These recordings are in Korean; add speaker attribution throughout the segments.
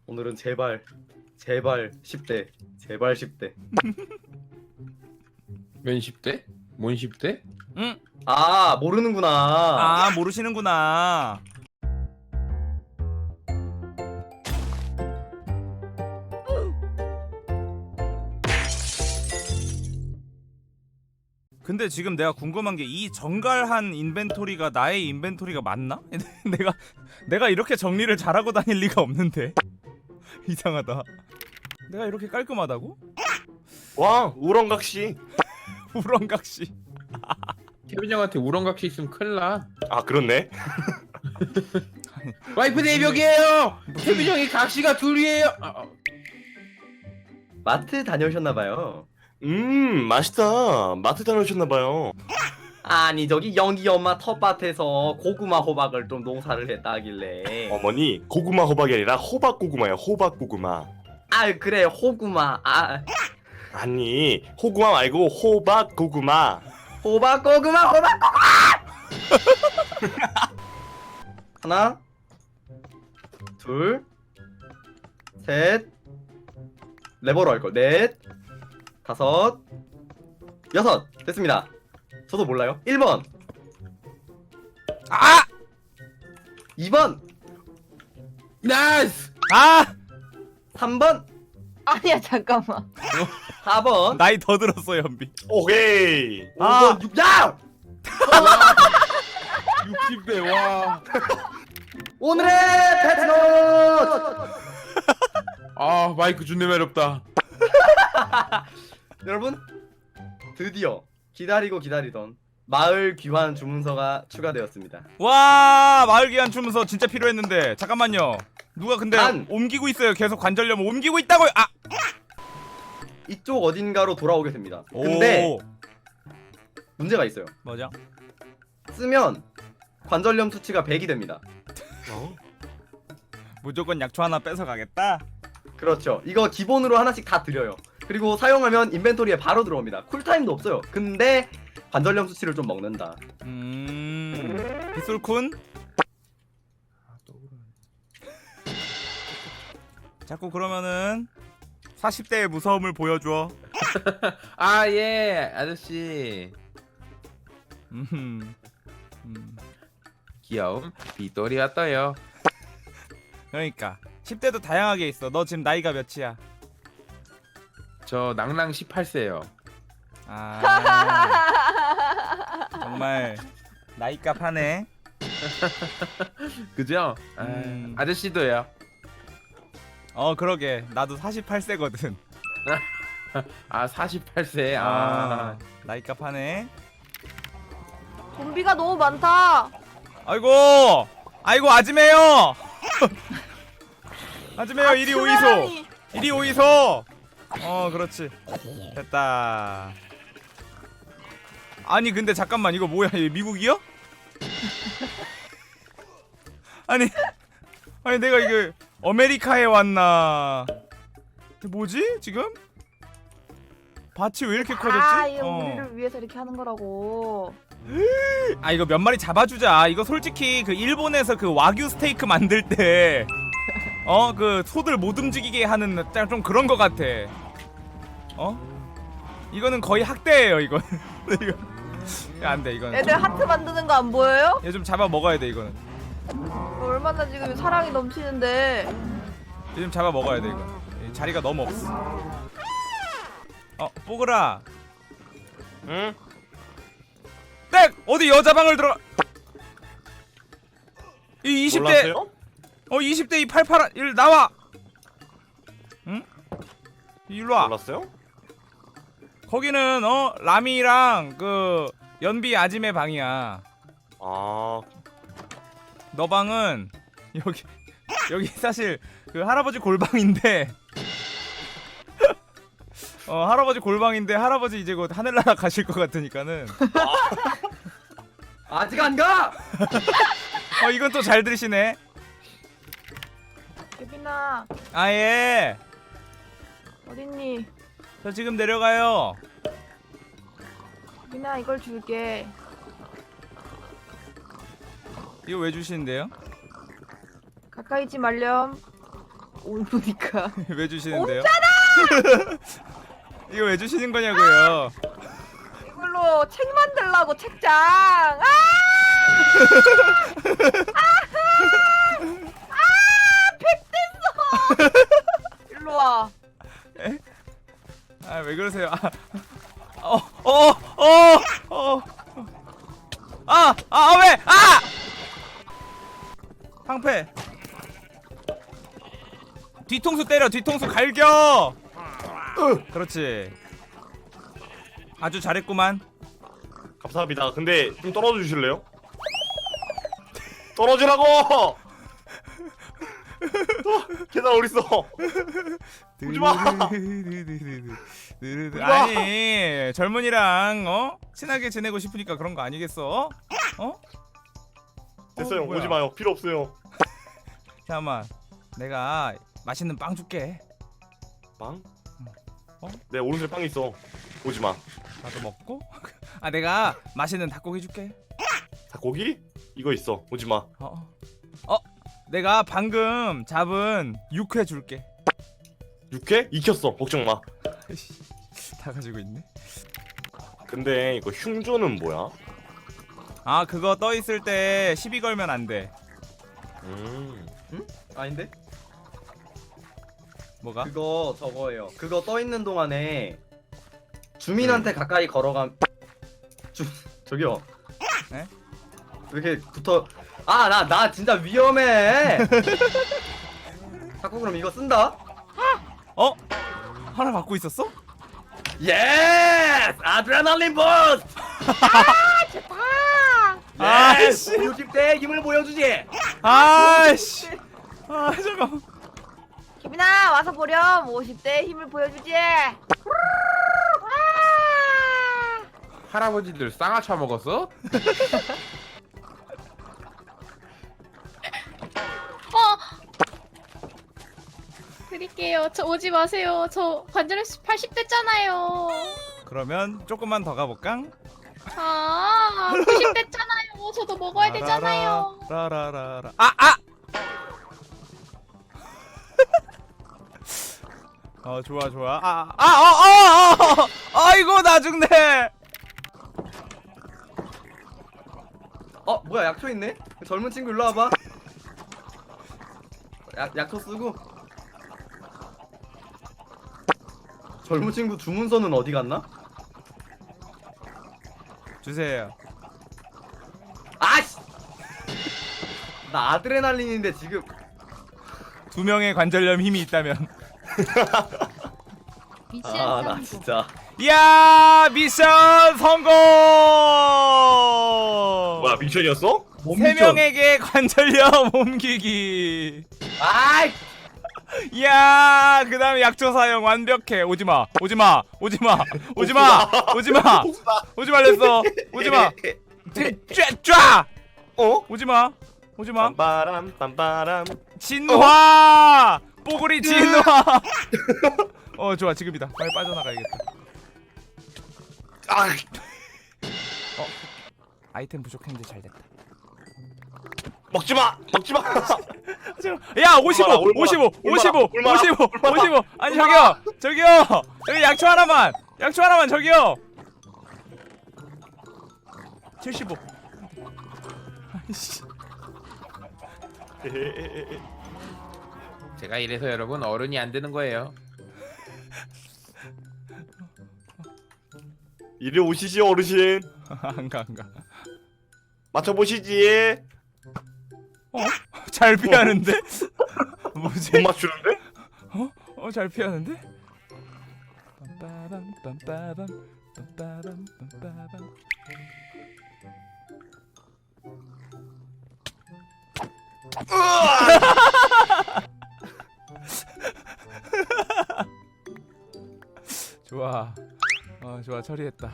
Speaker 1: 오늘은 제발 10대 제발 10대.
Speaker 2: 면 10대? 뭔 10대?
Speaker 3: 응?
Speaker 1: 아 모르는구나.
Speaker 3: 아 모르시는구나. 근데 지금 내가 궁금한 게 이 정갈한 인벤토리가 나의 인벤토리가 맞나? 내가 이렇게 정리를 잘하고 다닐 리가 없는데. 이상하다. 내가 이렇게 깔끔하다고?
Speaker 4: 와 우렁각시.
Speaker 3: 우렁각시.
Speaker 2: 케빈 형한테 우렁각시 있으면 큰일 나.
Speaker 4: 아 그렇네.
Speaker 2: 와이프 내벽이에요. 케빈 형이 각시가 둘이에요.
Speaker 1: 마트 다녀오셨나봐요.
Speaker 4: 맛있다. 마트 다녀오셨나봐요.
Speaker 1: 아니 저기 영기 엄마 텃밭에서 고구마 호박을 좀 농사를 했다길래.
Speaker 4: 어머니 고구마 호박이 아니라 호박 고구마예요. 호박 고구마.
Speaker 1: 아 그래 호구마. 아
Speaker 4: 아니 호구마 말고 호박 고구마.
Speaker 1: 호박 고구마 호박 고구마. 하나 둘 셋 레버로 할걸 넷 다섯 여섯 됐습니다. 저도 몰라요. 1번
Speaker 3: 아!
Speaker 1: 2번
Speaker 2: 나이스.
Speaker 3: 아!
Speaker 1: 3번
Speaker 5: 아니야 잠깐만.
Speaker 1: 4번
Speaker 3: 나이 더 들었어 연비.
Speaker 4: 오케이.
Speaker 1: 5번 6 야!
Speaker 2: 60대 와.
Speaker 1: 오늘의 패트노트
Speaker 2: 아 마이크 존내 매력다.
Speaker 1: 여러분 드디어 기다리고 기다리던 마을 귀환 주문서가 추가되었습니다.
Speaker 3: 와 마을 기한 주문서 진짜 필요했는데 잠깐만요. 누가 근데
Speaker 1: 난!
Speaker 3: 옮기고 있어요. 계속 관절염 옮기고 있다고요. 아!
Speaker 1: 이쪽 어딘가로 돌아오게 됩니다. 근데
Speaker 3: 오.
Speaker 1: 문제가 있어요.
Speaker 3: 뭐죠?
Speaker 1: 쓰면 관절염 수치가 100이 됩니다.
Speaker 3: 무조건 약초 하나 뺏어 가겠다.
Speaker 1: 그렇죠. 이거 기본으로 하나씩 다 드려요. 그리고 사용하면 인벤토리에 바로 들어옵니다. 쿨타임도 없어요. 근데 관절염 수치를 좀 먹는다.
Speaker 3: 빗솔쿤 자꾸 그러면은 40대의 무서움을 보여줘.
Speaker 2: 아 예 아저씨. 귀여움 빗돌이 왔어요.
Speaker 3: 그러니까 10대도 다양하게 있어. 너 지금 나이가 몇이야?
Speaker 2: 저 낭낭 18세요.
Speaker 3: 아 정말 나이값 하네.
Speaker 2: 그죠? 아저씨도요.
Speaker 3: 그러게 나도 48세거든.
Speaker 2: 아 48세.
Speaker 3: 나이값 하네.
Speaker 5: 좀비가 너무 많다.
Speaker 3: 아이고 아즈메요. 아즈메요 이리 오이소.
Speaker 5: 수면하니.
Speaker 3: 이리 오이소. 그렇지 됐다. 아니 근데 잠깐만 이거 뭐야 얘 미국이야? 아니 내가 이거 아메리카에 왔나? 이게 뭐지 지금? 밭이 왜 이렇게 커졌지?
Speaker 5: 아 이거 우리를 위해서 이렇게 하는 거라고.
Speaker 3: 아 이거 몇 마리 잡아주자. 이거 솔직히 그 일본에서 그 와규 스테이크 만들 때 그 소들 못 움직이게 하는 좀 그런 거 같아. 이거는 거의 학대예요 이거. 이거 안돼 이거는.
Speaker 5: 애들 하트 만드는 거 안 보여요?
Speaker 3: 얘 좀 잡아 먹어야 돼 이거는.
Speaker 5: 얼마나 지금 사랑이 넘치는데.
Speaker 3: 얘 좀 잡아 먹어야 돼 이거. 자리가 너무 없어. 뽀글아.
Speaker 4: 응?
Speaker 3: 땡! 어디 여자 방을 들어가. 이 20대
Speaker 4: 몰랐어요?
Speaker 3: 20대 이 팔팔한 일 나와. 응? 일로 와.
Speaker 4: 몰랐어요?
Speaker 3: 거기는 라미랑 그 연비 아짐의 방이야.
Speaker 4: 아
Speaker 3: 너 방은 여기 사실 그 할아버지 골방인데 할아버지 골방인데 할아버지 이제 곧 하늘나라 가실 것 같으니까는
Speaker 1: 아직 안 가!
Speaker 3: 이건 또 잘 들으시네.
Speaker 5: 예빈아
Speaker 3: 아예
Speaker 5: 어딨니?
Speaker 3: 저 지금 내려가요.
Speaker 5: 예빈아 이걸 줄게.
Speaker 3: 이거 왜 주시는데요?
Speaker 5: 가까이 있지 말렴. 오니까.
Speaker 3: 왜 주시는데요? 이거 왜 주시는 거냐고요?
Speaker 5: 이걸로 책 만들라고 책장. 아! 백 됐어. 일로 와.
Speaker 3: 아 왜 그러세요? 왜? 방패. 뒤통수 때려. 뒤통수 갈겨. 그렇지. 아주 잘했구만.
Speaker 4: 감사합니다. 근데 좀 떨어져 주실래요? 떨어지라고! 계단 어딨어? 오지마!
Speaker 3: 아니 젊은이랑 친하게 지내고 싶으니까 그런 거 아니겠어?
Speaker 4: 됐어요.
Speaker 3: 뭐야.
Speaker 4: 오지마요. 필요 없어요.
Speaker 3: 잠깐만, 내가 맛있는 빵 줄게.
Speaker 4: 빵?
Speaker 3: 어?
Speaker 4: 내 오른쪽에 빵 있어. 오지마.
Speaker 3: 나도 먹고. 내가 맛있는 닭고기 줄게.
Speaker 4: 닭고기? 이거 있어. 오지마.
Speaker 3: 내가 방금 잡은 육회 줄게.
Speaker 4: 육회? 익혔어. 걱정 마.
Speaker 3: 다 가지고 있네.
Speaker 4: 근데 이거 흉조는 뭐야?
Speaker 3: 아 그거 떠 있을 때 시비 걸면 안 돼.
Speaker 1: 아닌데?
Speaker 3: 뭐가?
Speaker 1: 그거 저거예요. 그거 떠 있는 동안에 주민한테 가까이 걸어감. 저기요.
Speaker 3: 네?
Speaker 1: 왜 이렇게 붙어? 나 진짜 위험해. 자꾸 그럼 이거 쓴다.
Speaker 3: 하나 갖고 있었어?
Speaker 1: 예스! 아드레날린 버스트!
Speaker 5: 좋다.
Speaker 1: 예스! 60대의 힘을 보여주지.
Speaker 3: 아씨. 잠깐.
Speaker 5: 기빈아 와서 보렴. 50대의 힘을 보여주지.
Speaker 2: 할아버지들 쌍화차 먹었어?
Speaker 6: 드릴게요. 저 오지 마세요. 저 관절 80대잖아요.
Speaker 3: 그러면 조금만 더 가볼까?
Speaker 6: 90대잖아요. 저도 먹어야 되잖아요.
Speaker 3: 라라라라. 좋아. 아이고 나 죽네.
Speaker 1: 뭐야, 약초 있네? 젊은 친구 일로 와봐. 약초 쓰고. 젊은 친구 주문서는 어디 갔나?
Speaker 3: 주세요.
Speaker 1: 아씨! 나 아드레날린인데 지금.
Speaker 3: 2명의 관절염 힘이 있다면.
Speaker 1: 나 진짜.
Speaker 3: 이야 미션 성공.
Speaker 4: 뭐야 미션이었어?
Speaker 3: 3명에게 관절염 옮기기.
Speaker 1: 아이!
Speaker 3: 이야 그다음에 약초 사용 완벽해. 오지마 오지말랬어. 오지마 쫙 오지마
Speaker 4: 빰바람 빰바람.
Speaker 3: 진화 뽀글이 진화. 좋아 지금이다. 빨리 빠져나가야겠다. 아이템 부족했는데 잘됐다.
Speaker 4: 먹지마.
Speaker 3: 야 55
Speaker 4: 얼마나?
Speaker 3: 아니 저기 약초 하나만 저기요. 75. 아이씨.
Speaker 2: 제가 이래서 여러분 어른이 안 되는 거예요.
Speaker 4: 이리 오시지 어르신.
Speaker 3: 안가
Speaker 4: 맞춰보시지.
Speaker 3: 잘 피하는데? 뭐지?
Speaker 4: 못 맞추는데?
Speaker 3: 잘 피하는데? 좋아. 좋아 처리했다.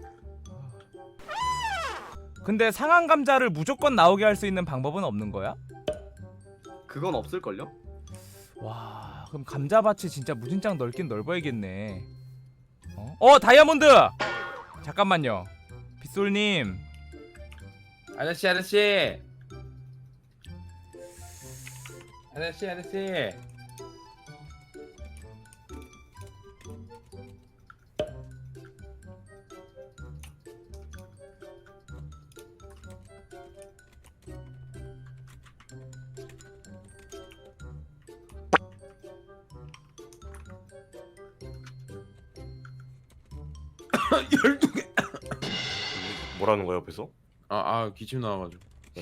Speaker 3: 근데 상한 감자를 무조건 나오게 할 수 있는 방법은 없는 거야?
Speaker 1: 그건 없을걸요?
Speaker 3: 와, 그럼 감자밭이 진짜 무진장 넓긴 넓어야겠네. 다이아몬드! 잠깐만요. 빗솔님.
Speaker 2: 아저씨. 12개.
Speaker 4: 뭐라는 거야 옆에서?
Speaker 2: 기침 나와가지고.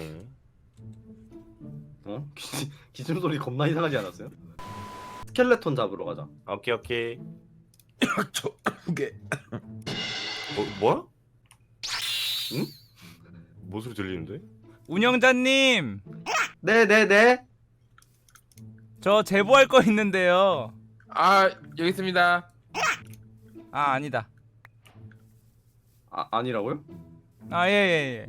Speaker 1: 어? 기침 소리 겁나 이상하지 않았어요? 스켈레톤 잡으러 가자.
Speaker 4: 오케이.
Speaker 2: 2개.
Speaker 4: 뭐야?
Speaker 1: 응?
Speaker 4: 뭔 소리 들리는데?
Speaker 3: 운영자님,
Speaker 1: 네네네.
Speaker 3: 저 제보할 거 있는데요.
Speaker 2: 여기 있습니다.
Speaker 3: 아니다.
Speaker 1: 아니라고요?
Speaker 3: 예예예.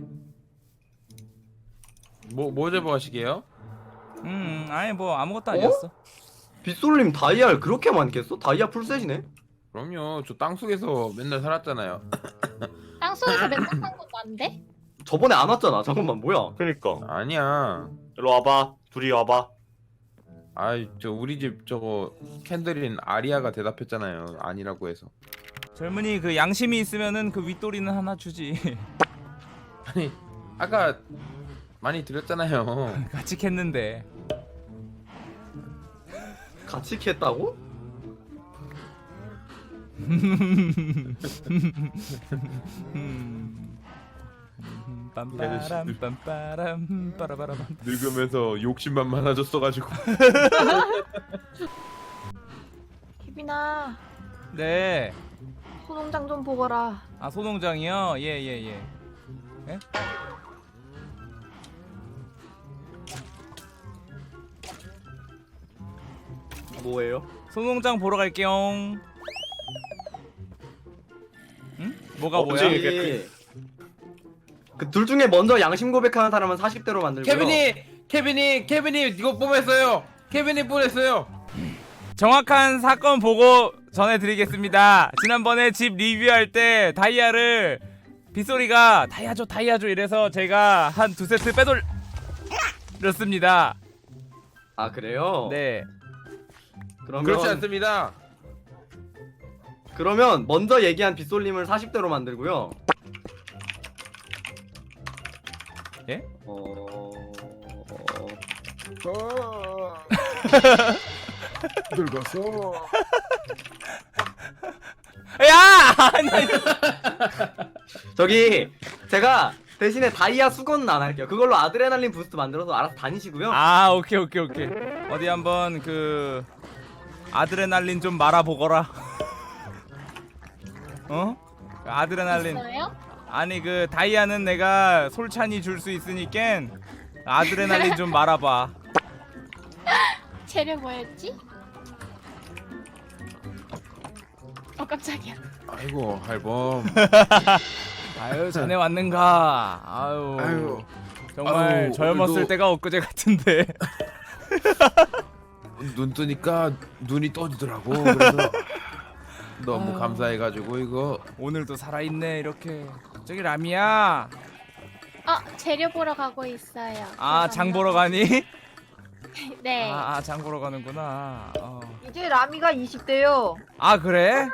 Speaker 2: 뭐 제보하시게요?
Speaker 3: 아니 뭐 아무것도 아니었어.
Speaker 1: 빗솔님 다이아를 그렇게 많겠어? 다이아 풀셋이네?
Speaker 2: 그럼요. 저 땅속에서 맨날 살았잖아요.
Speaker 6: 땅속에서 맨날 산 것도 안 돼?
Speaker 1: 저번에 안 왔잖아. 잠깐만 뭐야?
Speaker 4: 그니까
Speaker 2: 아니야.
Speaker 4: 일로 와봐. 둘이 와봐.
Speaker 2: 저 우리 집 저거 캔들인 아리아가 대답했잖아요. 아니라고 해서.
Speaker 3: 젊은이 그 양심이 있으면은 그 윗도리는 하나 주지.
Speaker 2: 아니 아까 많이 드렸잖아요.
Speaker 3: 같이 캤는데.
Speaker 1: 같이 캤다고?
Speaker 3: 빰빠람 빰빠람 빠라바람.
Speaker 2: 늙으면서 욕심만 많아졌어가지고.
Speaker 5: 희빈아,
Speaker 3: 네.
Speaker 5: 소농장 좀 보거라.
Speaker 3: 소농장이요? 예. 예?
Speaker 1: 뭐예요?
Speaker 3: 소농장 보러 갈게요. 응? 뭐가 뭐야?
Speaker 4: 언제
Speaker 1: 그둘 중에 먼저 양심 고백하는 사람은 40대로 만들고요.
Speaker 2: 케빈이 이거 뽀했어요. 케빈이 뽀했어요.
Speaker 3: 정확한 사건 보고 전해드리겠습니다. 지난번에 집 리뷰할 때 다이아를 빗소리가 다이아줘 이래서 제가 한 2세트 빼돌렸습니다.
Speaker 1: 아 그래요?
Speaker 3: 네.
Speaker 2: 그렇지 않습니다.
Speaker 1: 그러면 먼저 얘기한 빗솔님을 40대로 만들고요.
Speaker 3: 예?
Speaker 2: 늙었어.
Speaker 3: 야! 아니,
Speaker 1: 저기 제가 대신에 다이아 수건은 안 할게요. 그걸로 아드레날린 부스트 만들어서 알아서 다니시고요.
Speaker 3: 오케이. 어디 한번 그 아드레날린 좀 말아보거라. 어? 아드레날린.
Speaker 6: 있어요?
Speaker 3: 아니 그 다이아는 내가 솔찬히 줄 수 있으니까 아드레날린 좀 말아봐.
Speaker 6: 재료 뭐였지? 깜짝이야.
Speaker 2: 아이고 할범.
Speaker 3: 아유 자네 왔는가. 아유 정말
Speaker 2: 아유,
Speaker 3: 젊었을
Speaker 2: 오늘도-
Speaker 3: 때가 엊그제 같은데.
Speaker 2: 눈 뜨니까 눈이 떠지더라고. 그래서 너무 감사해가지고 이거.
Speaker 3: 오늘도 살아있네 이렇게. 저기 라미야.
Speaker 6: 재료 보러 가고 있어요.
Speaker 3: 장 보러 가니?
Speaker 6: 네.
Speaker 3: 장 보러 가는구나.
Speaker 5: 이제 라미가 20대요.
Speaker 3: 그래?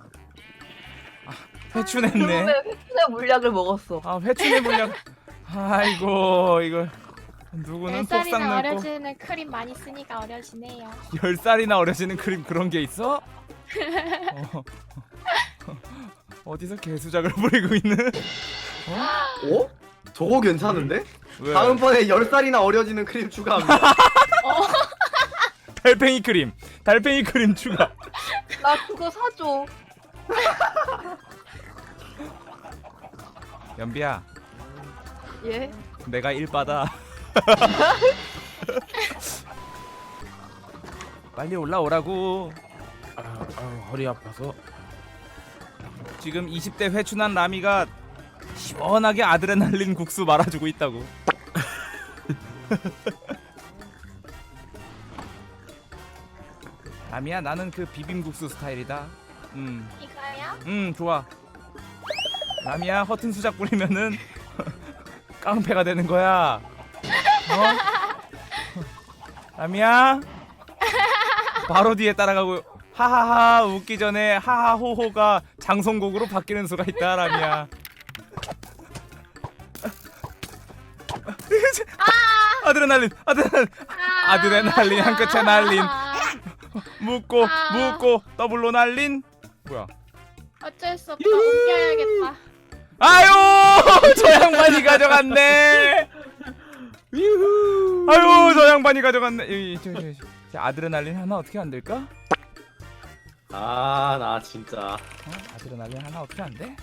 Speaker 3: 회춘했네.
Speaker 5: 그러면 획수의 물약을 먹었어.
Speaker 3: 회춘의 물량. 아이고 이거 누구는 폭삭
Speaker 6: 10살이나
Speaker 3: 넣고
Speaker 6: 어려지는 크림 많이 쓰니까 어려지네요.
Speaker 3: 10살이나 어려지는 크림 그런 게 있어? 어디서 개수작을 부리고 있는?
Speaker 1: 어? 저거 괜찮은데?
Speaker 3: 왜?
Speaker 1: 다음번에 10살이나 어려지는 크림 추가합니다.
Speaker 3: 달팽이 크림 추가.
Speaker 5: 나 그거 사줘.
Speaker 3: 연비야
Speaker 5: 예?
Speaker 3: 내가 일 받아. 빨리 올라오라고.
Speaker 2: 허리 아파서.
Speaker 3: 지금 20대 회춘한 라미가 시원하게 아드레날린 국수 말아주고 있다고. 라미야 나는 그 비빔국수 스타일이다.
Speaker 6: 이거요?
Speaker 3: 좋아. 라미야 허튼 수작 부리면은 깡패가 되는 거야. 라미야 바로 뒤에 따라가고 하하하 웃기 전에 하하호호가 장송곡으로 바뀌는 수가 있다 라미야. 아드레날린 한 끝에 날린. 묶고 더블로 날린. 뭐야?
Speaker 6: 어쩔 수 없다. 옮겨야겠다.
Speaker 3: 아유 저 양반이 가져갔네. 아유 저 양반이 가져갔네. 저 아드레날린 하나 어떻게 안 될까?
Speaker 1: 아 나 진짜
Speaker 3: 아드레날린 하나 어떻게 안 돼?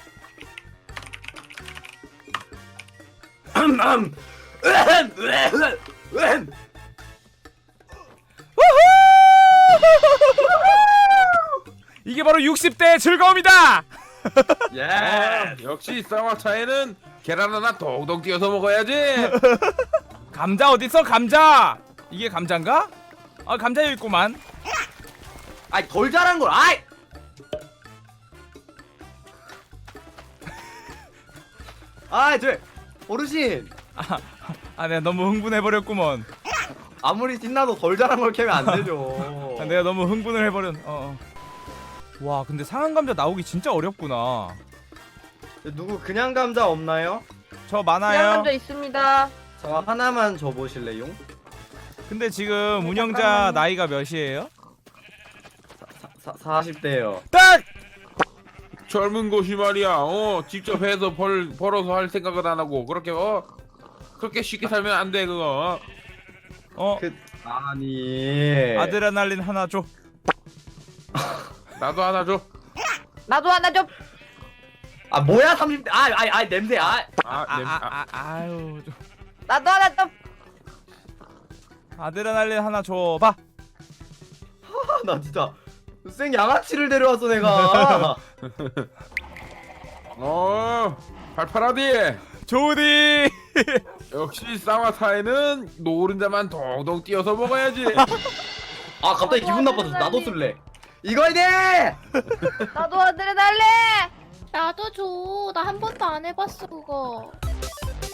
Speaker 3: 이게 바로 60대의 즐거움이다.
Speaker 1: 예.
Speaker 2: 역시 쌍화차에는 계란 하나 동동 띄어서 먹어야지.
Speaker 3: 감자 어딨어 감자? 이게 감자인가? 아 감자여 있구만.
Speaker 1: 아이 덜 잘한 걸. 아이. 저 어르신
Speaker 3: 아 내가 너무 흥분해버렸구먼.
Speaker 1: 아무리 신나도 덜 잘한 걸 캐면 안 되죠.
Speaker 3: 아, 내가 너무 흥분을 해버렸. 와 근데 상한 감자 나오기 진짜 어렵구나.
Speaker 1: 누구 그냥 감자 없나요?
Speaker 3: 저
Speaker 5: 그냥
Speaker 3: 많아요.
Speaker 5: 감자 있습니다.
Speaker 1: 저 하나만 줘보실래요?
Speaker 3: 근데 지금 운영자 나이가 몇이에요?
Speaker 1: 40대요.
Speaker 3: 딱!
Speaker 2: 젊은 곳이 말이야. 직접 해서 벌어서 할 생각은 안 하고 그렇게 그렇게 쉽게 살면 안 돼 그거.
Speaker 1: 아니.
Speaker 3: 아드레날린 하나 줘.
Speaker 2: 나도 하나 줘.
Speaker 5: 나도 하나 좀.
Speaker 1: 아 뭐야 30대. 냄새.
Speaker 3: 아유.
Speaker 5: 나도 하나 좀.
Speaker 3: 아드레날린 하나 줘봐.
Speaker 1: 나 진짜 생 양아치를 데려왔어 내가.
Speaker 2: 팔팔하디.
Speaker 3: 조디.
Speaker 2: 역시 쌍화차에는 노른자만 동동 띄어서 먹어야지.
Speaker 1: 아 갑자기 기분 나빠서 나도 쓸래. 이거야 돼.
Speaker 5: 나도 아드레날린.
Speaker 6: 나도 줘. 나 한 번도 안 해봤어 그거.